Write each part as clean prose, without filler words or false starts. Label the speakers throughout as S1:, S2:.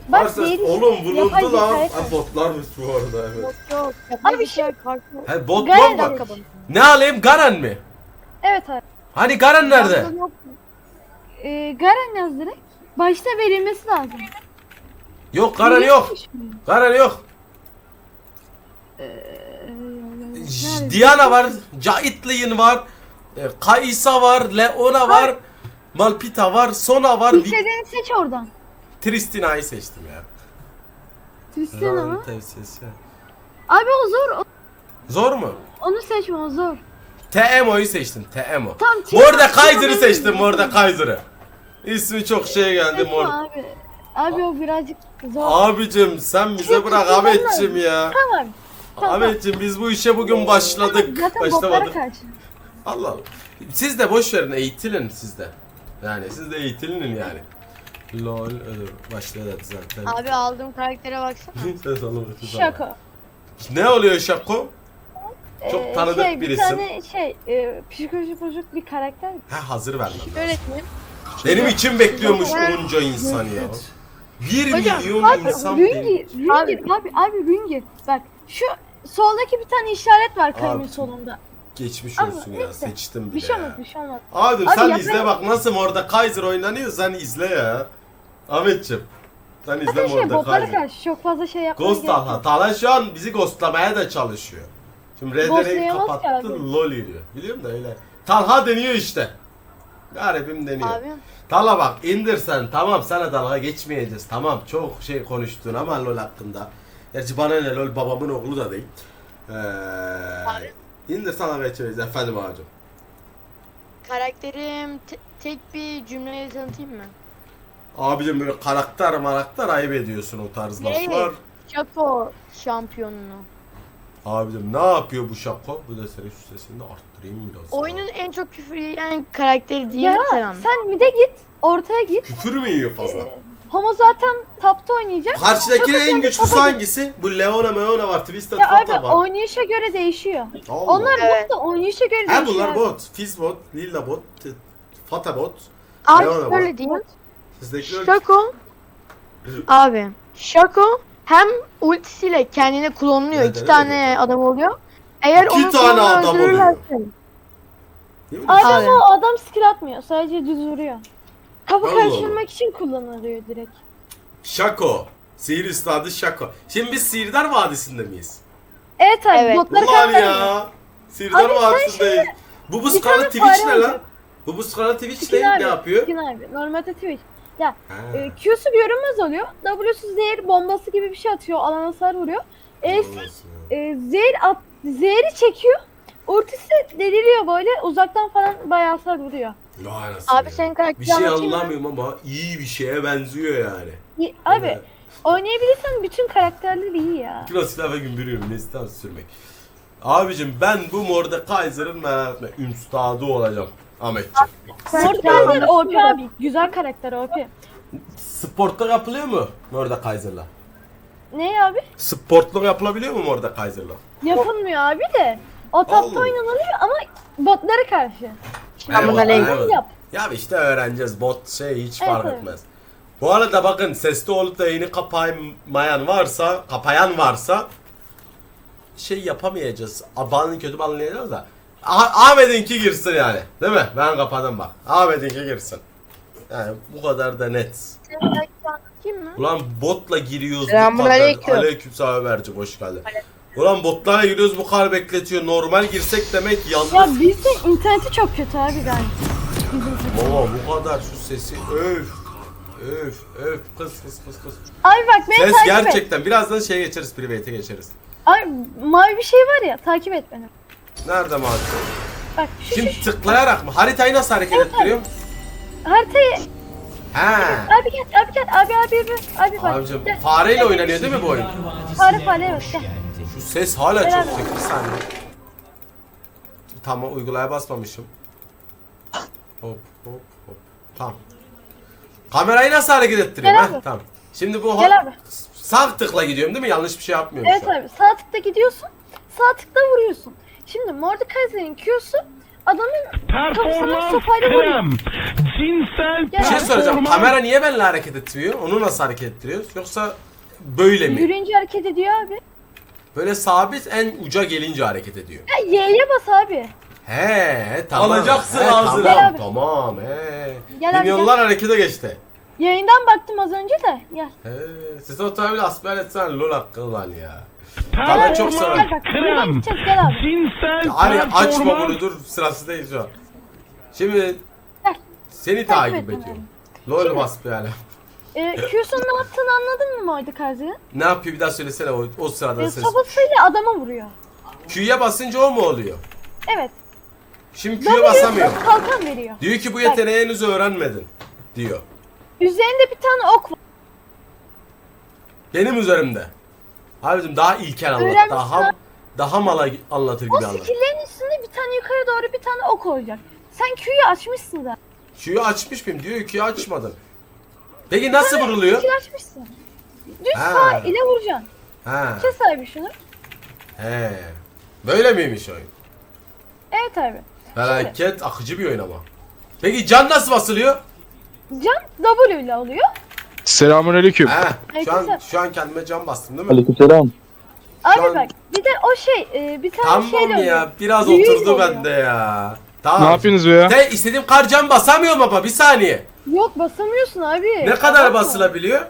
S1: Bak
S2: Varsa
S1: değil.
S2: oğlum
S1: Yapay
S2: vuruldu lan.
S1: zekaya
S2: Ha, botlarmış bu arada evet.
S3: Yok.
S1: Abi şey-
S2: He bot
S1: Garen
S2: mu var?
S1: dakika
S2: Ne alayım Garen mi?
S1: Evet abi.
S2: Hani Garen nerede?
S1: Garen yaz direkt. Başta verilmesi lazım.
S2: Yok Garen yok.
S1: Verilmiş mi?
S2: Garen yok.
S1: Nerede?
S2: Diana var, Caitlyn var, Kai'Sa var, Leona var, Malphite var, Sona var.
S1: İstediğini seç oradan.
S2: Tristina'yı seçtim ya.
S1: Tristan ama.
S2: Tavsiyesi.
S1: Abi o zor.
S2: Zor mu?
S1: Onu seçme o zor.
S2: TMO'yu seçtim. TMO.
S1: Tamam,
S2: Mordekaiser'ı seçtim. Mordekaiser'ı. İsmi çok şey geldi.
S1: Seçme abi. Abi o birazcık zor.
S2: Abicim sen bize bırak
S1: Tristan
S2: Ahmetciğim ya.
S1: Tamam. Tamam.
S2: Ahmetciğim biz bu işe bugün başladık.
S1: Zaten botlara
S2: Başlamadık.
S1: karşı.
S2: Allah Allah. Siz de boş verin eğitilin siz de. Yani siz de eğitilin yani. Lol başladı zaten.
S3: Abi aldığım karaktere baksana.
S2: Ses alın.
S1: Şaka.
S2: Ne oluyor Şako? Çok tanıdık bir
S1: bir
S2: isim.
S1: tane psikolojik bozuk bir karakter.
S2: Ha hazır vermem lazım.
S3: Öğretmenim.
S2: Benim için bekliyormuş onca insan ya. 1
S3: Hocam,
S2: milyon
S1: Abi
S2: insan
S1: Rüngir abi Rüngir. Bak şu soldaki bir tane işaret var kalemin
S2: Abi,
S1: solunda.
S2: geçmiş
S1: Ama
S2: olsun ya
S1: neyse,
S2: seçtim bile
S1: Bir şey
S2: ya.
S1: olmaz bir şey olmaz.
S2: Abi
S1: Abi
S2: sen
S1: yapayım.
S2: izle bak nasıl orada Kaiser oynanıyor sen izle ya. Ahmetciğim. Sen izle
S1: Zaten
S2: orada
S1: botlara
S2: Kaiser.
S1: karşı çok fazla şey yapmaya
S2: Ghost
S1: gerek
S2: Talha.
S1: yok.
S2: Talha şu an bizi ghostlamaya da çalışıyor. Şimdi Red'leri
S1: Ghostlayamaz ki
S2: kapattı
S1: abi.
S2: lol diyor. Biliyorum da öyle. Talha deniyor işte. Garibim deniyor.
S3: Abi.
S2: Talha bak indir sen tamam sana dalga geçmeyeceğiz tamam çok şey konuştun ama LoL hakkında. Gerçi bana ne LoL babamın oğlu da değil. İndir sana geçeceğiz efendim ağacım.
S3: Karakterim tek bir cümleyle tanıtayım mı?
S2: Abicim böyle karakter ayıp ediyorsun o tarz
S3: Evet.
S2: laflar.
S3: Şako şampiyonunu.
S2: Abicim ne yapıyor bu Şako? Bu da senin şu sesini de arttırayım biraz.
S3: Oyunun en çok küfür yiyen karakteri değil
S1: Ya
S3: sen anla.
S1: sen mide git, ortaya git.
S2: Küfür mü yiyor fazla?
S1: Homo zaten tapta oynayacak.
S2: Karşıdakinin
S1: Çok
S2: en
S1: önemli,
S2: güçlüsü
S1: topa git.
S2: hangisi? Bu Leona var, Twisted
S1: Ya abi
S2: Fata var.
S1: oynayışa göre değişiyor.
S2: Allah.
S1: Onlar
S3: Evet.
S1: bot da oynayışa göre
S2: Ha
S1: değişiyor.
S2: bunlar bot. Fizz bot, Lilla bot, Fata bot.
S3: Abi
S2: Leona
S3: şöyle
S2: bot.
S3: diyeyim.
S2: Sizdekiler
S3: Şako. Abi. Şako hem ultisiyle kendini klonluyor.
S2: Neden
S3: İki
S2: öyle
S3: tane
S2: diyorsun?
S3: adam oluyor. Eğer
S2: İki
S3: onun
S2: tane
S3: klonunu
S2: adam oluyor.
S3: öldürürlerse-
S2: Ne bileyim.
S1: Adam
S3: Abi.
S1: o adam skill atmıyor. Sadece düz vuruyor. Kapı
S2: Allah
S1: karıştırmak için kullanılıyor direkt.
S2: Şako. Sihir üstadı Şako. Şimdi biz Sihirdar Vadisi'nde miyiz?
S1: Evet abi
S3: Evet.
S1: botları
S2: Ulan
S1: kaldırıyor.
S2: ya. Sihirdar
S1: Abi sen
S2: Vadisi'ndeyiz. Bu buz
S1: bir
S2: kanalı
S1: tane
S2: Twitch
S1: fare
S2: ne lan?
S1: olacak.
S2: Bu buz kanalı Twitch
S1: Skin
S2: ne
S1: abi,
S2: yapıyor?
S1: Skin abi. Normalde Twitch. Ya
S2: Ha.
S1: Q'su görünmez oluyor. W'su zehir bombası gibi bir şey atıyor. Alana hasar vuruyor. E'si zehri çekiyor. Ultisi deliriyor böyle. Uzaktan falan bayağı hasar vuruyor.
S2: Vay anasını
S3: Abi
S2: ya.
S3: senin karakteri
S2: Bir şey
S3: anlatayım mı?
S2: anlamıyorum ama iyi bir şeye benziyor yani.
S1: Abi
S2: Evet.
S1: oynayabilirsen bütün karakterler iyi ya.
S2: Kilo silah ve gümbürüyorum. Neslihan sürmek. Abicim ben bu Mordekaiser'ın merak etme. Üstadı olacağım. Ahmetciğim.
S1: Mordekaiser OP abi. Güzel karakter OP.
S2: Sportta yapılıyor mu Mordekaiser'la?
S1: Ne abi?
S2: Sportluk yapılabiliyor mu Mordekaiser'la?
S1: Yapılmıyor abi de. O tapta
S2: Allah.
S1: oynanılıyor ama botlara karşı.
S2: Eyvallah.
S1: Yap.
S2: Ya işte öğreneceğiz. Bot şey hiç
S1: Evet,
S2: fark
S1: evet.
S2: etmez. Bu arada bakın sesli olup da yayını kapayan varsa şey yapamayacağız. Abanın kötü anlayacağız da. Ahmet'inki girsin yani. Değil mi? Ben kapadım bak. Ahmet'inki girsin. Yani bu kadar da net.
S3: Senin karakteri anlatayım mı?
S2: Ulan botla giriyoruz bu
S3: Selamünaleyküm.
S2: kadar. Aleykümselam Ömerciğim hoş geldin. Ulan botlara giriyoruz bu kadar bekletiyor. Normal girsek demek
S1: Ya
S2: yalnız.
S1: bizde interneti çok kötü abi galiba.
S2: Baba bu kadar şu sesi öf. Öf kız.
S1: Abi bak beni
S2: Ses
S1: takip et.
S2: gerçekten birazdan şeye geçeriz private'e geçeriz.
S1: Abi mavi bir şey var ya takip et beni.
S2: Nerede mavi?
S1: Bak şu
S2: Şimdi tıklayarak mı? Haritayı nasıl hareket ettiriyorum?
S1: haritayı
S2: He.
S1: abi gel abi bak.
S2: Abicim
S1: Gel.
S2: fareyle oynanıyor değil mi bu oyun?
S1: Fare evet gel.
S2: Şu ses hala çok
S1: Beraber.
S2: yüksek bir saniye. Tamam uygulaya basmamışım. Hop. Tamam. Kamerayı nasıl hareket ettiriyorum?
S1: Gel
S2: Heh,
S1: abi.
S2: tamam. Şimdi bu
S1: Gel abi.
S2: sağ tıkla gidiyorum değil mi? Yanlış bir şey yapmıyorum
S1: Evet
S2: şu an.
S1: abi sağ tıkta gidiyorsun. Sağ tıkta vuruyorsun. Şimdi Mordekaiser'in Q'su adamın kafasına
S4: Performans
S1: sopayla vuruyor.
S4: krem. Cinsel
S1: Bir
S2: Bir şey soracağım.
S4: performans-
S2: Kamera niye benimle hareket etmiyor? Onu nasıl hareket ettiriyoruz? Yoksa böyle mi?
S1: Yürüyünce hareket ediyor abi.
S2: Böyle sabit en uca gelince hareket ediyor.
S1: Ya Y'ye bas abi.
S2: He tamam.
S5: Alacaksın
S2: He,
S5: ağzına.
S1: Gel
S2: Tamam
S1: abi.
S2: tamam he.
S1: Gel abi,
S2: Milyonlar harekete geçti.
S1: Yayından baktım az önce de. Gel.
S2: He. Siz otomobil asbel etsen lol hakkı lan ya. Bana çok
S4: Performans
S2: sever.
S1: Gel bak. Buradan
S4: krem.
S1: gideceğiz gel abi.
S4: Cinsel
S2: Hani açma
S4: performans-
S2: bunu dur sırası değil şu an. Şimdi
S1: Gel.
S2: seni
S1: Takip
S2: takip
S1: et
S2: ediyorum.
S1: beni.
S2: Lol
S1: Şimdi-
S2: basbel.
S1: Q'sun ne yaptığını anladın mı Maydı Karzı?
S2: Ne yapıyor bir daha söylesene o sırada ses.
S1: Sopasıyla adama vuruyor.
S2: Q'ya basınca o mu oluyor?
S1: Evet.
S2: Şimdi
S1: Ben
S2: Q'ya basamıyor.
S1: kalkan veriyor.
S2: Diyor ki bu yeteneği henüz öğrenmedin. Diyor.
S1: Üzerinde bir tane ok var.
S2: Benim üzerimde. Abicim daha ilkel anlat.
S1: Öğrenmişsin
S2: Daha mala anlatır
S1: O
S2: gibi anlat.
S1: skill'lerin üstünde bir tane yukarı doğru bir tane ok olacak. Sen Q'yu açmışsın da.
S2: Q'yu açmış mıyım? Diyor Q'yu açmadın. Peki nasıl vuruluyor?
S1: Q'yu açmışsın. Düz
S2: Ha.
S1: sağ ile vuracaksın.
S2: Ha.
S1: Kes abi şunu.
S2: He. Böyle miymiş oyun?
S1: Evet abi.
S2: Felaket akıcı bir oyun ama. Peki can nasıl basılıyor?
S1: Can W ile oluyor.
S6: Selamünaleyküm.
S2: He.
S1: Aleykümselam.
S2: Şu an kendime can bastım değil mi?
S6: Aleykümselam.
S1: Abi
S2: an-
S1: bak bir de o bir tane şey
S2: Tamam
S1: de
S2: ya.
S1: oluyor.
S2: Biraz
S1: Büyük
S2: oturdu
S1: oluyor.
S2: bende ya. Tamam.
S6: Ne yapıyorsunuz be ya?
S2: De istediğim kar can basamıyorum ama bir saniye.
S1: Yok basamıyorsun abi.
S2: Ne kadar
S1: Abartma.
S2: basılabiliyor?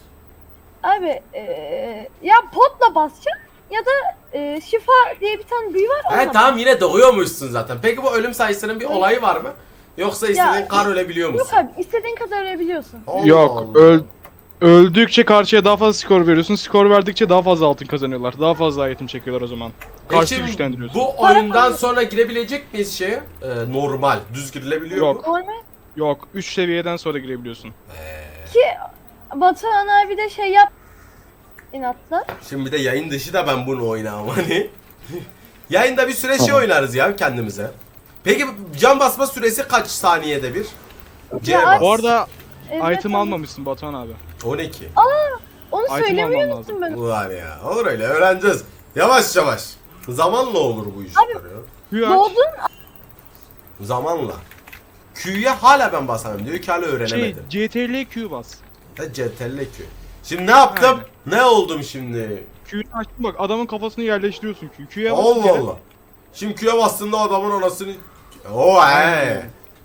S1: Abi ya potla basacaksın ya da şifa diye bir tane büyü var onunla
S2: He tamam yine doğuyormuşsun zaten. Peki bu ölüm sayısının bir olayı var mı? Yoksa istediğin kar ölebiliyor
S1: Yok
S2: musun?
S1: abi istediğin kadar ölebiliyorsun.
S2: Allah
S6: Yok,
S2: Allah.
S6: öldükçe karşıya daha fazla skor veriyorsun. Skor verdikçe daha fazla altın kazanıyorlar. Daha fazla item çekiyorlar o zaman. Karşı
S2: Peki,
S6: güçlendiriyorsun.
S2: bu oyundan sonra girebilecek miyiz şeye? Normal, düz girilebiliyor
S6: Yok.
S2: mu?
S1: Normal
S6: Yok, 3 seviyeden sonra girebiliyorsun.
S1: ki Batuhan abi de şey yap inatla.
S2: Şimdi bir de yayın dışı da ben bunu oynamam hani. Yayında bir süre şey oynarız ya kendimize. Peki can basma süresi kaç saniyede bir? C
S1: Ya,
S2: bas.
S6: Bu arada
S1: Evet,
S6: item
S1: abi.
S6: almamışsın Batuhan abi.
S2: 12.
S1: Onu
S6: Item
S1: söylemeyi
S6: alman
S1: unuttum ben.
S2: Ulan ya. Olur öyle öğreneceğiz. Yavaş yavaş. Zamanla olur bu işler ya.
S6: Q aç.
S1: Doğdun
S2: Zamanla. Q'ya hala ben basamıyorum. Diyor ki hala
S6: Şey,
S2: öğrenemedim.
S6: CTRL Q bas.
S2: CTRL Q. Şimdi ne yaptım? Ne oldum şimdi?
S6: Q'yu açtın bak, adamın kafasını yerleştiriyorsun Q. Q'ya bas.
S2: Allah Allah. Şimdi Q'ya bastığında adamın anasını... Oo he.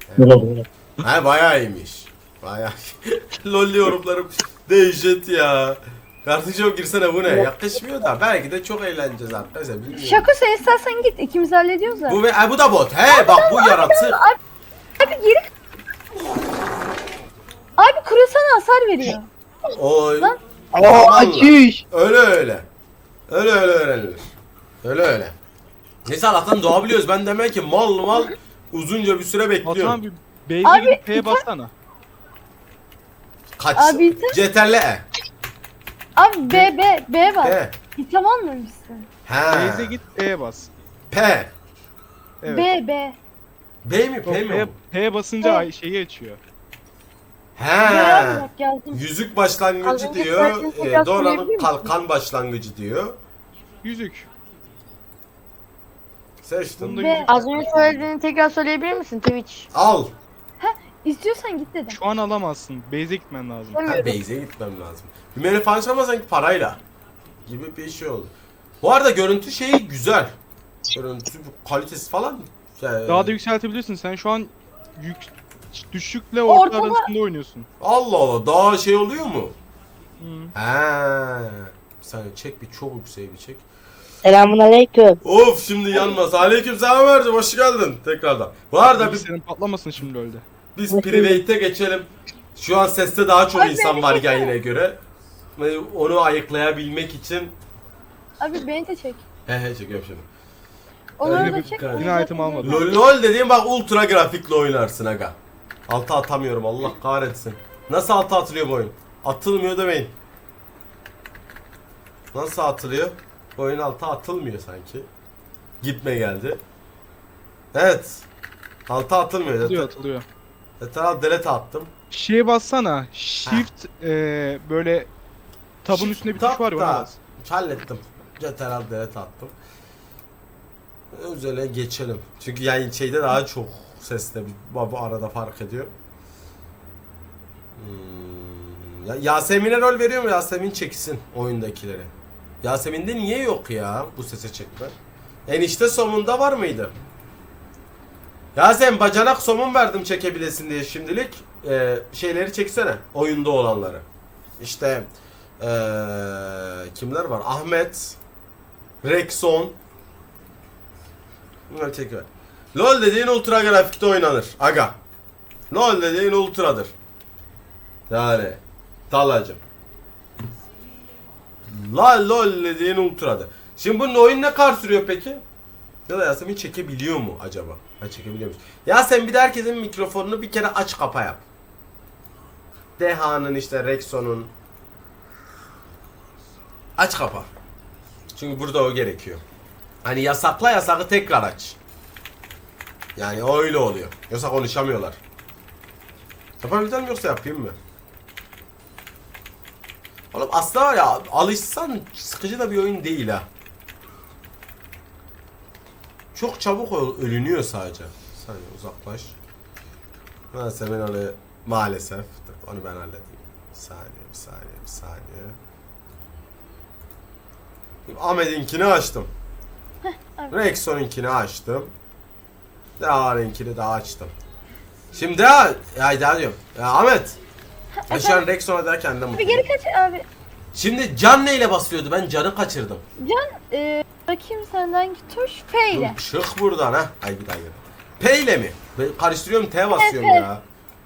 S2: He bayağı iyiymiş. Bayağı. Lol yorumlarım dehşet ya. Kardeşim girsene bu ne? Yakışmıyor da belki de çok eğleneceğiz arkadaşlar. bilmiyorum.
S1: Şako sen istersen git ikimiz hallediyoruz da.
S2: Bu da bot. He bak bu yaratık.
S1: Abi geri Abi kurasana hasar veriyor.
S2: Oy.
S1: Lan.
S2: Zamanla. Öyle öyle. Öyle öğrenilir. Öyle. Neyse Allah'tan doğabiliyoruz. Ben demek ki mal uzunca bir süre
S6: Batuhan
S2: bekliyorum.
S6: bir base'e
S1: Abi,
S6: gidip P'ye
S1: iten-
S6: bassana.
S2: Kaç?
S1: Abi iten-
S2: CTRL E.
S1: Abi B var.
S2: P.
S1: İtem almamışsın.
S2: He.
S6: Base'e git P'ye bas.
S2: P.
S6: Evet.
S1: B.
S2: B mi P mi?
S6: P,
S2: o?
S6: P basınca
S1: P.
S6: şeyi açıyor.
S2: He.
S1: Bak yazdım.
S2: Yüzük
S3: Az
S2: başlangıcı
S3: önce
S2: diyor.
S3: söyledin, tekrar
S2: Donanım
S3: söyleyebilir misin?
S2: kalkan başlangıcı diyor.
S6: Yüzük.
S2: Seçtim.
S6: Bunda
S1: Ve-
S6: yüzük.
S3: Az önce söylediğini tekrar söyleyebilir misin Twitch?
S2: Al.
S1: İstiyorsan git dedim.
S6: Şu an alamazsın. Base'e gitmen lazım.
S2: Ha, base'e gitmem lazım. Bir menü falan çalma sanki parayla. Gibi bir şey oldu. Bu arada görüntü şeyi güzel. Görüntü kalitesi falan.
S6: Daha da yükseltebilirsin. Sen şu an düşükle orta
S1: Ortala-
S6: arasında oynuyorsun.
S2: Allah Allah daha şey oluyor mu?
S6: Hı.
S2: He. Bir saniye çek bir çok yüksek bir çek.
S3: Selamünaleyküm.
S2: Of şimdi yanmaz. Aleykümselam Ömerciğim hoş geldin tekrardan. Bu arada
S6: Senin patlamasın şimdi öyle.
S2: biz private'e geçelim. Şu an seste daha çok
S1: Ay,
S2: insan
S1: beni
S2: var
S1: çeksene.
S2: yayına göre. Ve onu ayıklayabilmek için
S1: Abi beni de çek.
S2: he çekiyorum şimdi.
S1: Onları
S2: Öyle
S1: da
S2: bir
S1: çek.
S2: kar-
S1: onu
S6: Yine
S1: zaten
S6: item almadım.
S1: zaten-
S2: LOL dediğim bak ultra grafikle oynarsın aga. Altı atamıyorum Allah kahretsin. Nasıl altı atılıyor bu oyun? Atılmıyor demeyin. Nasıl atılıyor? Bu oyun altı atılmıyor sanki. Gitme geldi. Evet. Altı atılmıyor.
S6: Atılıyor atılıyor.
S2: Yeter delete attım.
S6: Şeye bassana. Shift böyle tabun
S2: Shift
S6: üstünde bir
S2: tab
S6: tuş var ya
S2: da
S6: ona bas.
S2: Hallettim. Yeter delete attım. Özele geçelim. Çünkü yani şeyde daha çok sesle bu arada fark ediyor. Ya Yasemin'e rol veriyor mu? Yasemin çeksin oyundakileri. Yasemin'de niye yok ya bu sese çekme? Enişte somunda var mıydı? Yasemin bacanak somun verdim çekebilesin diye şimdilik. Şeyleri çeksene. Oyunda olanları. İşte kimler var? Ahmet, Rexon. Bunları çekiver. LoL dediğin ultra grafikte oynanır. Aga. LoL dediğin ultradır. Yani Talacım. LoL dediğin ultradır. Şimdi bunun oyun ne kadar sürüyor peki? Ya da Yasemin çekebiliyor mu acaba? Ha çekebiliyormuş. Yasemin bir de herkesin mikrofonunu bir kere aç kapa yap. Deha'nın işte Rexon'un aç kapa. Çünkü burada o gerekiyor. Hani yasakla yasakı tekrar aç. Yani o öyle oluyor. Yoksa konuşamıyorlar. Yapabileceğim yoksa yapayım mı? Oğlum aslında var ya alışsan sıkıcı da bir oyun değil ha. Çok çabuk ölünüyor sadece. Bir saniye uzaklaş. Neyse ben onu maalesef. Dur, onu ben halledeyim. Bir saniye. Ahmet'inkini açtım. Rexon'unkini açtım. Dağar'ınkini daha açtım. Şimdi daha diyorum. Ya Ahmet. Ben şu an Rexon'a derken de
S1: Bir
S2: mutluyum.
S1: geri kaç abi.
S2: Şimdi can neyle basılıyordu? Ben canı kaçırdım.
S1: Can bakayım senden hangi tuş? F ile.
S2: Dur, çık buradan ha. Ay bir daha gel. P ile mi? Ben karıştırıyorum T basıyorum
S1: P.
S2: ya.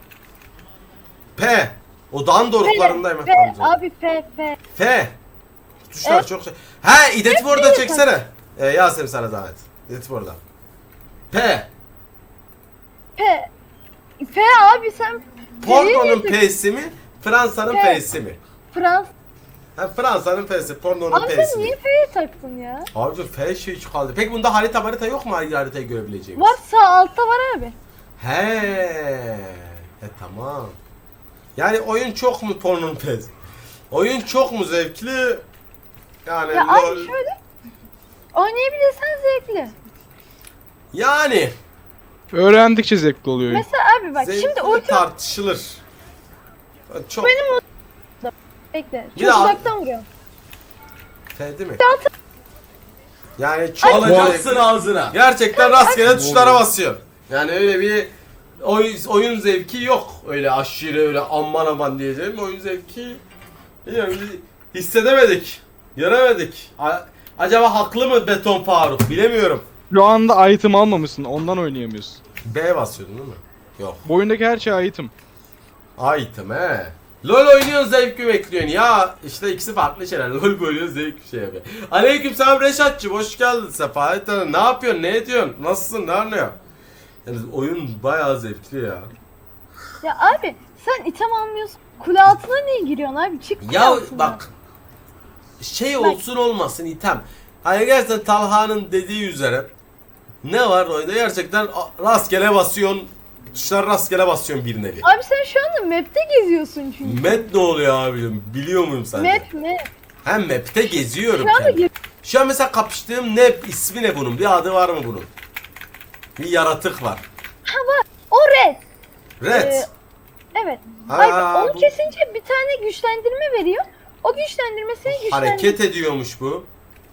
S2: P. O dağın doruklarındayım.
S1: F.
S2: Tamam,
S1: Abi F.
S2: F. Tuşlar çok şey. He, Editbor'da çeksene. Yasemin sana zahmet. Editbor'da. P.
S1: F abi sen.
S2: Porno'nun P'si mi? Fransa'nın
S1: P.
S2: P'si mi?
S1: Frans.
S2: Ha, Fransa'nın P'si, pornonun
S1: Abi
S2: P'si
S1: sen
S2: mi?
S1: niye F'ye taktın ya?
S2: Abi F şey kaldı. Peki bunda harita yok mu haritayı görebileceğimiz?
S1: Var sağ altta var abi.
S2: Tamam. Yani oyun çok mu pornonun P'si? Oyun çok mu zevkli? Yani
S1: Ya
S2: LOL...
S1: abi şöyle. Oynayabilirsen zevkli.
S2: Yani
S6: Öğrendikçe zevkli oluyor oyun.
S1: Mesela abi bak
S2: zevkli
S1: şimdi ulti
S2: tartışılır. Çok
S1: bekle.
S2: Bir
S1: Çok
S2: daha-
S1: uzaktan vuruyorum.
S2: F değil mi?
S1: Daha-
S2: Yani çok alacaksın ağzına. Gerçekten rastgele tuşlara basıyor. Yani öyle bir oyun zevki yok. Öyle aşırı öyle aman diyeceğim oyun zevki bilmiyorum, hissedemedik. Göremedik. Acaba haklı mı Beton Faruk? Bilemiyorum.
S6: Şu anda item almamışsın, ondan oynayamıyorsun.
S2: B basıyordun değil mi? Yok.
S6: Bu oyundaki her şey item.
S2: Item he. LOL oynuyorsun zevki bekliyorsun ya. İşte ikisi farklı şeyler. LOL böyle zevk şey yapıyor. Aleykümselam Reşatçı, hoş geldin Sefahat Hanım. Ne yapıyorsun? Ne ediyorsun? Nasılsın? Ne anlıyor? Yani oyun bayağı zevkli ya.
S1: Ya abi sen item almıyorsun. Kule altına niye giriyorsun abi? Çık kule
S2: Ya
S1: altına.
S2: bak şey olsun olmasın item. Hani gerçekten Talha'nın dediği üzere ne var oyunda gerçekten rastgele basıyorsun. Tuşlar rastgele basıyorsun bir nevi.
S1: Abi sen şu anda map'te geziyorsun çünkü.
S2: Map ne oluyor abim? Biliyor muyum sen?
S1: Map.
S2: Hem map'te geziyorum
S1: Şu anda
S2: kendim. Şu an mesela kapıştığım ne ismi ne bunun? Bir adı var mı bunun? Bir yaratık var.
S1: O red.
S2: Red.
S1: Evet.
S2: Ha,
S1: Abi onu
S2: bu-
S1: kesince bir tane güçlendirme veriyor. O güçlendirme seni güçlendiriyor.
S2: Hareket ediyormuş bu.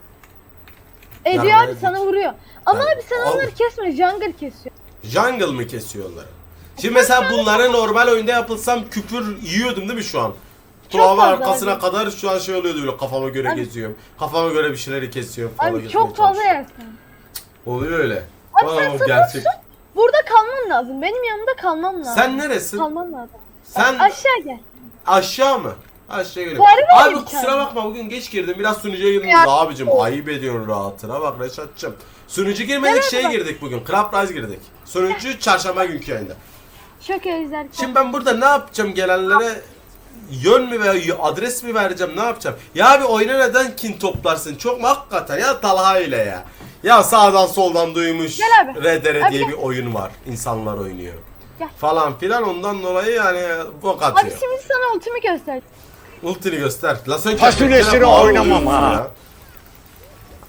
S1: Ediyor
S2: Ya,
S1: abi sana vuruyor. Ama
S2: Ha,
S1: abi sen
S2: al.
S1: onları kesme. Jungle kesiyor.
S2: Jungle mı kesiyorlar? Şimdi mesela bunları normal oyunda yapılsam küfür yiyordum değil mi şu an? Kulağı
S1: fazla
S2: arkasına
S1: abi.
S2: kadar şu an şey oluyordu böyle kafama göre
S1: Abi-
S2: geziyorum. Kafama göre bir şeyleri kesiyorum falan.
S1: Abi
S2: kesmeye
S1: çok fazla
S2: çalışıyorum.
S1: yersin.
S2: Oluyor öyle.
S1: Abi
S2: Aa,
S1: sen
S2: gerçek.
S1: Burada kalman lazım. Benim yanımda kalmam lazım.
S2: Sen neresin?
S1: Kalman lazım.
S2: Sen
S1: Aşağı gel.
S2: aşağı mı? Aşağı geliyorum.
S1: Var mı
S2: Abi
S1: bir
S2: kusura
S1: tane?
S2: bakma bugün geç girdim. Biraz sunucuya girdim.
S1: Ya.
S2: Abicim ayıp ediyorsun rahatına bak Reşat'cığım. Sunucu girmedik şeye girdik bugün. Club Rise girdik. Sunucu çarşamba günkü yayında.
S1: Çok özler.
S2: Şimdi ben burada ne yapacağım gelenlere? Yön mü ve adres mi vereceğim ne yapacağım? Ya abi oyuna neden kin toplarsın? Çok mu hakikaten ya Talha ile ya. Ya sağdan soldan duymuş
S1: Gel abi.
S2: RDR
S1: Abi
S2: diye
S1: gel.
S2: bir oyun var. İnsanlar oynuyor.
S1: Gel.
S2: Falan filan ondan dolayı yani bok
S1: Abi
S2: atıyor.
S1: şimdi sana ultimi göster.
S2: Ultini göster. La sen
S5: Fasulyesini
S2: köpeklerine
S5: oynamam
S2: bağırıyorsun
S5: ha.
S2: ya.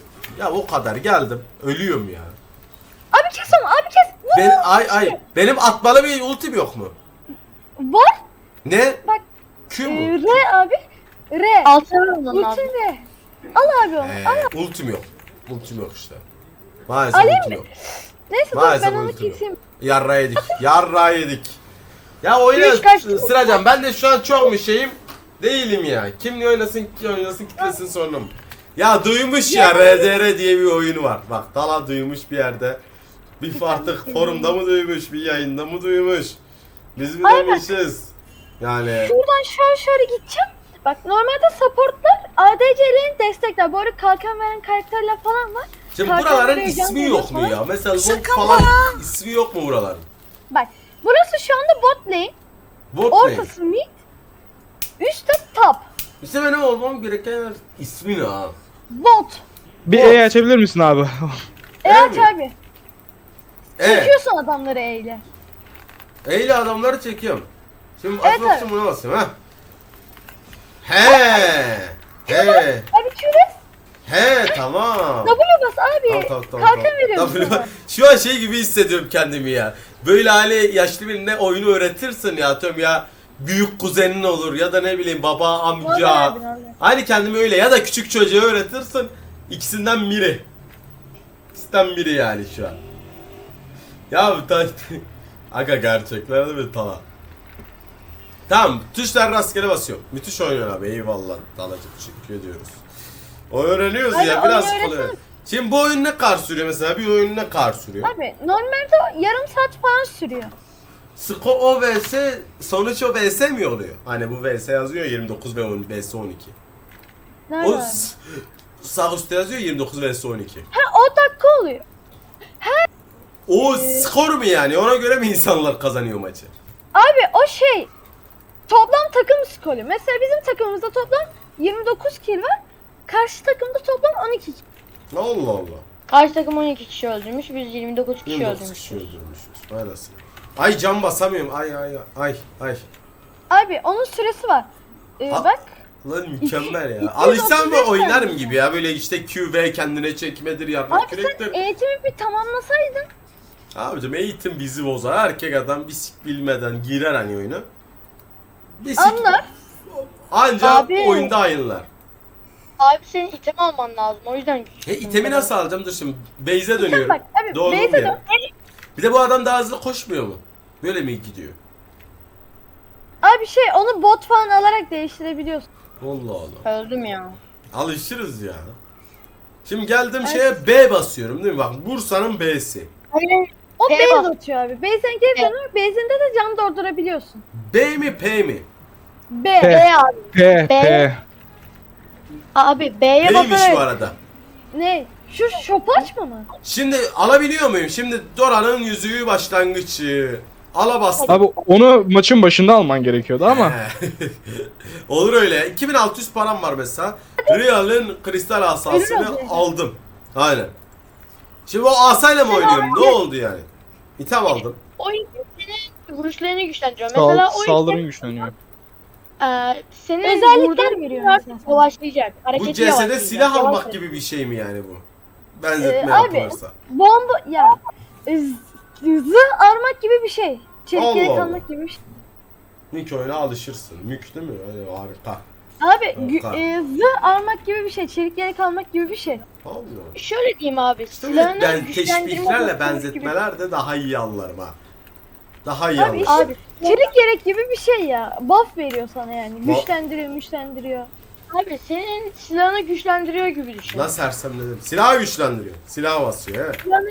S2: Ya o kadar geldim. Ölüyorum ya.
S1: Abi kes onu abi kes. Vur.
S2: Ben benim atmalı bir ultim yok mu?
S1: Var.
S2: Ne?
S1: Bak.
S2: Q mu?
S1: R abi. R.
S3: Altına vurman lazım.
S1: Ultin R. Al abi onu. Al.
S2: Ultim yok. Ultim yok işte. Maalesef
S1: Alayım
S2: ultim
S1: mı?
S2: yok.
S1: Neyse dur
S2: Maalesef
S1: ben onu
S2: ultim yok.
S1: keseyim.
S2: Yarra yedik. Yarra yedik. Ya oyuna
S3: Üç kaçtı.
S2: Sıracan ben de şu an çok mu şeyim değilim ya. Kimle oynasın ki oynasın kitlesin sorunum. Ya duymuş ya RDR diye bir oyun var. Bak Dala duymuş bir yerde. Bir artık forumda mı duymuş, bir yayında mı duymuş. Biz mi demişiz? Yani
S1: Şuradan şöyle gideceğim. Bak normalde supportlar ADC'lerin destekler. Bu arada kalkan veren karakterler falan var.
S2: şimdi
S1: Kalkan
S2: buraların
S1: buraya
S2: ismi
S1: can
S2: yok mu
S1: veriyor
S2: ya? Mesela Zod falan ismi yok mu buraların?
S1: Bak burası şu anda bot lane.
S2: Bot ne?
S1: Ortası mid. Üstte top.
S2: İşte benim olmam gereken ismi ne ha?
S1: Bot.
S6: Bir E açabilir misin abi?
S1: Evet
S2: mi?
S1: abi. Çekiyorsun adamları eyle.
S2: Eyle adamları çekiyorum. Şimdi
S1: Evet,
S2: atmak için buna basayım ha. He.
S1: Abi küres.
S2: He tamam.
S1: W bas abi.
S2: Tamam.
S1: Kalkan veriyorum
S2: W-
S1: sana.
S2: Şu an şey gibi hissediyorum kendimi ya. Böyle hani yaşlı birine oyunu öğretirsin ya, atıyorum ya, büyük kuzenin olur ya da ne bileyim baba, amca.
S1: Vallahi.
S2: Hani kendimi öyle, ya da küçük çocuğa öğretirsin. İkisinden biri. İkisinden biri yani şu an. Ya bu aga gerçekler mi Tala? Tamam, tuşlar rastgele basıyorum. Müthiş oynuyor abi, eyvallah Talacığım, teşekkür ediyoruz. O öğreniyoruz
S1: Aynen,
S2: ya,
S1: onu
S2: biraz
S1: öğretsene.
S2: kolay. Şimdi bu oyun ne kadar sürüyor mesela? Bir oyun ne kadar sürüyor?
S1: Abi normalde yarım saat falan sürüyor.
S2: O vs sonuç o vs mi oluyor? Hani bu vs yazıyor 29 ve 10 vs 12.
S1: Nerede
S2: O
S1: abi?
S2: sağ üstte yazıyor 29 vs 12.
S1: Ha o dakika oluyor.
S2: O skor mu yani? Ona göre mi insanlar kazanıyor maçı?
S1: Abi o şey toplam takım skoru. Mesela bizim takımımızda toplam 29 kill var. Karşı takımda toplam 12 kill.
S2: Allah Allah.
S3: Karşı takım 12 kişi öldürmüş. Biz 29 kişi
S2: 29 kişi
S3: öldürmüşüz.
S2: öldürmüşüz. Vay anasını. Ay can basamıyorum. Ay.
S1: Abi onun süresi var.
S2: Ha-
S1: Bak.
S2: Lan mükemmel ya.
S1: 235
S2: Alışsam mı oynarım
S1: saniye.
S2: gibi ya. Böyle işte QV kendine çekmedir, yarrak
S1: Abi sen
S2: kürektir.
S1: eğitimi bir tamamlasaydın.
S2: Abicim eğitim bizi bozar. Erkek adam bisik bilmeden girer hani oyuna. Bisik
S1: Anlar.
S2: ancak
S3: Abi.
S2: oyunda ayınlar.
S3: Abi senin item alman lazım. O yüzden
S2: İtemi nasıl alacağım? Dur şimdi base'e dönüyorum.
S1: Bak abi
S2: Doğru
S1: base'e
S2: mu
S1: dön.
S2: ya? Bir de bu adam daha hızlı koşmuyor mu? Böyle mi gidiyor?
S1: Abi şey onu bot falan alarak değiştirebiliyorsun.
S2: Allah Allah.
S3: öldüm ya.
S2: Alışırız ya. Şimdi geldim şeye B basıyorum değil mi? Bak Bursa'nın B'si.
S3: Hayır.
S1: O
S3: P
S1: base
S3: bas.
S1: atıyor abi. Base'den geri
S3: Evet.
S1: dönüyor. Base'inde de can doldurabiliyorsun.
S2: B mi P mi?
S1: B.
S6: P.
S3: B abi.
S6: P.
S3: Abi B'ye
S2: B'ymiş bu
S3: basarak.
S2: arada.
S1: Ne? Şu şopu açma mı?
S2: Şimdi alabiliyor muyum? Şimdi Dora'nın yüzüğü başlangıcı. Ala bastım.
S6: Abi onu maçın başında alman gerekiyordu ama.
S2: He. Olur öyle. 2600 param var mesela. Real'ın kristal asasını
S1: Öyle mi?
S2: aldım. Aynen. Şimdi o asayla mı oynuyorum? Ne oldu yani? İtem aldım.
S3: O item senin vuruşlarını güçlendiriyor. Mesela o
S6: Saldırın
S3: item
S6: güçleniyor.
S3: senin
S1: Özellikler
S3: vurduğun
S1: veriyor
S3: artık
S1: mesela.
S3: yavaşlayacak.
S2: Bu
S3: Hareketi
S2: CS'de
S3: yavaşlayacak.
S2: silah almak
S3: Yavaş-
S2: gibi bir şey mi yani bu? Benzetme
S1: Abi,
S2: yapılırsa.
S1: Bomba ya. Zırh armak gibi bir şey. Çelik
S2: Allah
S1: yelek
S2: Allah.
S1: almak gibi bir şey.
S2: Mük oyuna alışırsın. Mük değil mi? Öyle harika.
S1: Abi
S2: Harika.
S1: zırh armak gibi bir şey. Çelik yelek almak gibi bir şey.
S2: Allah.
S3: Şöyle diyeyim abi.
S2: İşte
S3: Silahını
S2: ben
S3: güçlendirme
S2: teşbihlerle
S3: boostları
S2: benzetmeler de daha iyi anlarım ha. Daha iyi
S1: Abi
S2: anlarım.
S1: işte
S3: Abi.
S1: çelik yelek gibi bir şey ya. Buff veriyor sana yani.
S2: Ba-
S1: Güçlendiriyor.
S3: Abi senin silahını güçlendiriyor gibi düşün.
S2: Nasıl sersemledim? Silahı güçlendiriyor. Silah basıyor evet.
S3: Silahını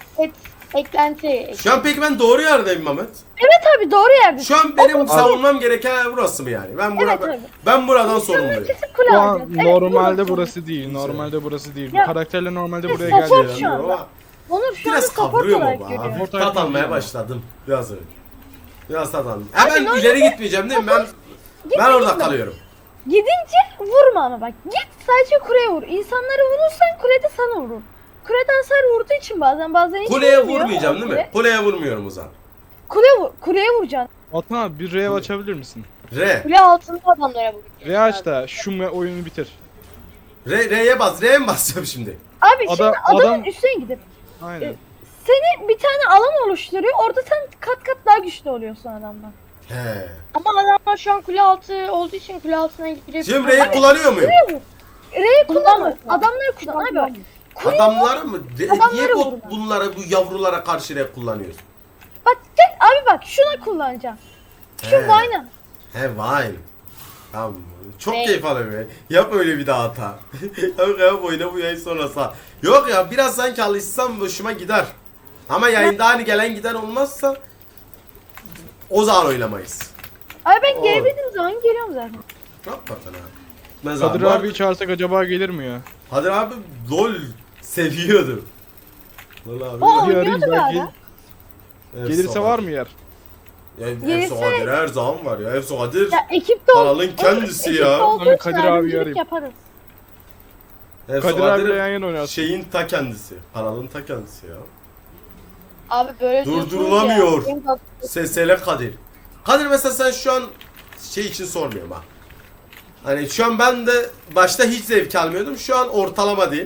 S3: eklenti.
S2: Şu an peki ben doğru yerdeyim Mehmet.
S1: Evet abi doğru yerde.
S2: Şu an benim savunmam gereken yer burası mı yani? Ben
S1: Evet abi.
S2: ben buradan sorumluyum.
S1: Kesin kule
S6: Şu an
S1: alacağız. Evet,
S6: normalde
S1: burası.
S6: burası değil. Normalde burası değil.
S1: Ya,
S6: Bu karakterle normalde
S1: ya
S6: buraya
S1: support
S6: geldi.
S1: şu an.
S2: Ama
S1: Onur şu anda
S2: biraz
S1: support
S2: kavruyor mu
S1: olarak
S2: bu?
S1: görüyor.
S2: Hafif
S6: Support
S2: tat almaya
S6: olarak
S2: başladım. Biraz öyle. Biraz tat aldım. Hemen
S1: normalde
S2: ileri gitmeyeceğim değil mi? Ben orada kalıyorum.
S1: Gidince vurma ama bak. Git sadece kuleye vur. İnsanları vurursan kulede sana vurur. Kulede hasar vurduğu için bazen hiç
S2: Kuleye
S1: vurmuyor.
S2: vurmayacağım değil mi? Kuleye vurmuyorum o zaman.
S1: Kuleye vuracaksın.
S6: Atan abi bir R açabilir misin?
S2: R.
S3: Kule altında adamlara vuracak.
S6: R aç da şu oyunu bitir.
S2: R'ye bas. R'ye mi basacağım şimdi?
S1: Abi şimdi adamın
S6: adam-
S1: üstüne gidip
S6: Aynen.
S1: seni bir tane alan oluşturuyor. Orada sen kat kat daha güçlü oluyorsun adamdan.
S2: He.
S3: Ama adamlar şu an kule altı olduğu için kule altına girebilir.
S2: Şimdi R'yi kullanıyor muyum?
S1: R'yi kullanma.
S3: Kullanma.
S1: Adamları kullan abi bak.
S2: Adamları mı?
S1: Adamları
S2: Niye
S1: vurma.
S2: bunlara, bu yavrulara karşı R kullanıyorsun?
S1: Bak tek abi bak şuna kullanacağım. Şu
S2: He.
S1: Vine'a.
S2: He Vine. Tamam. Çok
S3: Ne?
S2: keyif alıyorum ya. Yap öyle bir daha hata. Yap oyna bu yayın sonrası. Yok ya biraz sanki alışsam hoşuma gider. Ama yayında hani gelen giden olmazsa o zaman oynamayız.
S1: Abi ben
S2: Oğlum.
S1: gelebildiğim zaman geliyorum zaten.
S2: Hakikaten ha. Mesela
S6: Kadir abi çağırsak acaba gelir mi ya?
S2: Kadir abi LOL seviyordu. LOL abi.
S1: O
S6: Bir arayayım
S1: oynuyordu bir
S6: belki.
S1: ara.
S6: Gelirse var mı yer?
S2: Ya,
S1: Gelirse-
S2: Efso Kadir her zaman var ya. Efso Kadir.
S1: Ya ekipte
S2: Kanalın kendisi
S1: ekipte
S2: ya.
S1: olduğu
S6: Tabii
S1: için
S6: Kadir abi
S1: ayrımcılık
S6: arayayım.
S1: yaparız.
S2: Efso
S6: Kadir abiyle
S2: Kadir
S6: yan yana oynarsın.
S2: şeyin ta kendisi. Kanalın ta kendisi ya.
S3: Abi böyle diyorsunuz
S2: Durdurulamıyor.
S3: ya. Benim
S2: Sesele Kadir. Kadir mesela sen şu an şey için sormuyorum ha. Hani şu an ben de başta hiç zevk almıyordum. Şu an ortalama değil.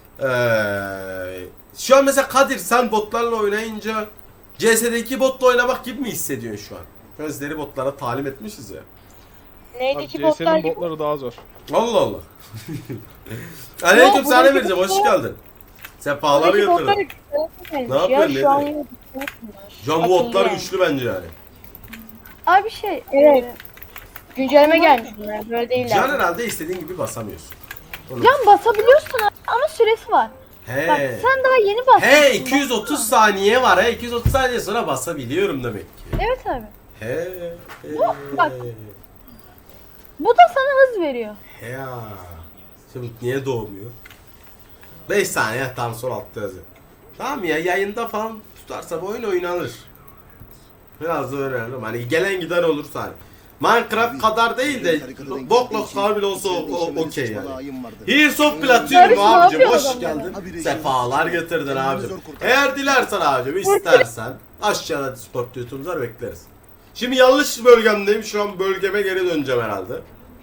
S2: Şu an mesela Kadir sen botlarla oynayınca CS'deki botla oynamak gibi mi hissediyorsun şu an? Gözleri botlara talim etmişiz ya.
S3: Neydi
S6: Abi
S3: ki botlar
S6: CS'nin
S3: gibi?
S6: botları daha zor.
S2: Allah Allah. Aleyküm
S3: Yok,
S2: selam
S3: buradaki
S2: vereceğim. Hoş
S3: botlar-
S2: geldin. Sefaları
S3: Buradaki botlar
S2: getirdin.
S3: güçlenmiş
S2: Ne yapıyorsun,
S3: ya, şu an
S2: ne
S3: yine
S2: Şu an bu
S3: Atıldı
S2: botlar
S3: yani.
S2: güçlü bence yani.
S1: Abi şey.
S3: Evet.
S1: e,
S3: güncelleme gelmiş bunlar. Böyle değiller.
S2: Can herhalde istediğin gibi basamıyorsun. Onu-
S1: Can basabiliyorsun abi ama süresi var. Bak
S2: He.
S1: sen daha yeni bastın.
S2: He 230 saniye var. He 230 saniye sonra basabiliyorum demek ki.
S1: Evet abi.
S2: He.
S1: bak. Bu da sana hız veriyor.
S2: He ya. Şimdi niye doğmuyor? 5 saniye tam sol altta yazıyor. Tamam ya yayında falan tutarsa bu oyun oynanır. Biraz da öğrenelim. Hani gelen giden olursa hani. Minecraft kadar değil de Boklok kadar bile olsa okey yani. Here's of Platinum
S1: Barış ne
S2: abicim
S1: yapıyor
S2: hoş
S1: adam
S2: geldin. Sefalar getirdin abicim. Eğer dilersen abicim istersen aşağıda Discord YouTube'lar bekleriz. Şimdi yanlış bölgemdeyim. Şu an bölgeme geri döneceğim herhalde.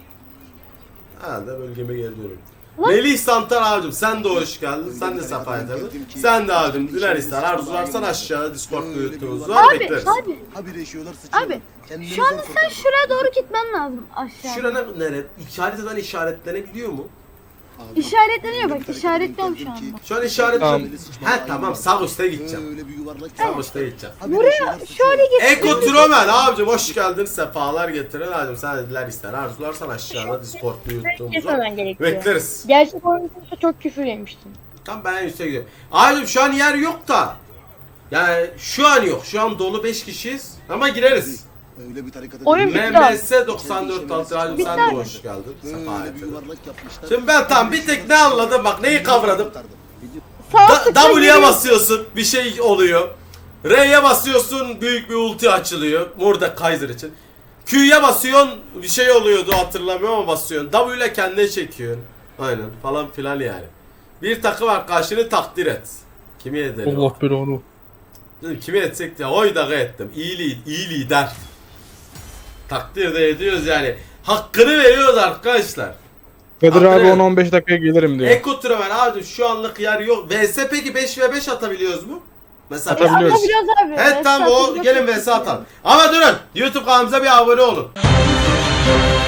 S2: Herhalde bölgeme geri dönüyorum. Melih Santar abicim sen de hoş geldin. Sen de sefa getirdin. Sen de abicim diler ister arzularsan aşağıda Discord YouTube'umuz var
S1: Abi
S2: bekleriz.
S1: abi.
S5: Habire yaşıyorlar, sıçıyorlar.
S1: Abi,
S5: Kendilerini
S1: Şu anda
S5: zor
S1: sen
S5: kurtardılar.
S1: şuraya doğru gitmen lazım aşağı.
S2: Şurana nere? İşareteden işaretlenebiliyor mu?
S5: Abi,
S1: İşaretleniyor bak,
S5: öyle bir
S1: işaretliyorum
S5: hareket
S1: şu
S5: ettim
S1: anda.
S2: Şu an işaret...
S6: Tamam.
S2: He tamam sağ üstte gideceğim.
S5: Öyle bir yuvarlak.
S2: Sağ üstte gideceğim.
S5: Habire
S1: Buraya
S5: yaşıyorlar, sıçıyorlar.
S1: şöyle git.
S2: Eko Tromen abicim hoş geldin. Sefalar getirin abicim. Sen diler ister arzularsan aşağıda Discord YouTube'umuz var.
S3: Kesmemen gerekiyor.
S2: Bekleriz.
S3: Gerçek oyunda çok küfür yemiştim.
S2: Tamam ben üstte gidiyorum. Abicim şu an yer yok da. Yani şu an yok. Şu an dolu 5 kişiyiz. Ama gireriz.
S5: Öyle bir tarikata
S3: Oyun
S5: değil.
S3: bitti abi.
S2: MMS 94 altı abicim sen de hoş geldin. Sefa
S5: Böyle bir
S2: getirin.
S5: yuvarlak yapmışlar.
S2: Şimdi ben tam bir tek ne anladım bak neyi kavradım.
S5: Kurtardım.
S1: Sağ tıkla
S2: W'ye
S1: geliyor.
S2: basıyorsun bir şey oluyor. R'ye basıyorsun büyük bir ulti açılıyor. Burada Kaiser için. Q'ye basıyorsun bir şey oluyordu hatırlamıyorum ama basıyorsun. W ile kendine çekiyorsun. Aynen falan filan yani. Bir takım arkadaşını takdir et. Kimi edelim?
S6: Allah belanı.
S2: Dedim, kimi etsek ya oy da ettim. İyi lider. Takdir de ediyoruz yani. Hakkını veriyoruz arkadaşlar.
S6: Kadir abi
S2: Aferin.
S6: 10-15 dakikaya gelirim diyor.
S2: Eko Traven abi şu anlık yer yok. VS peki 5v5 atabiliyoruz mu? Mesela
S6: Atabiliyoruz.
S1: Atabiliyoruz abi.
S2: Evet tamam o gelin vs atalım. Ama durun YouTube kanalımıza bir abone olun.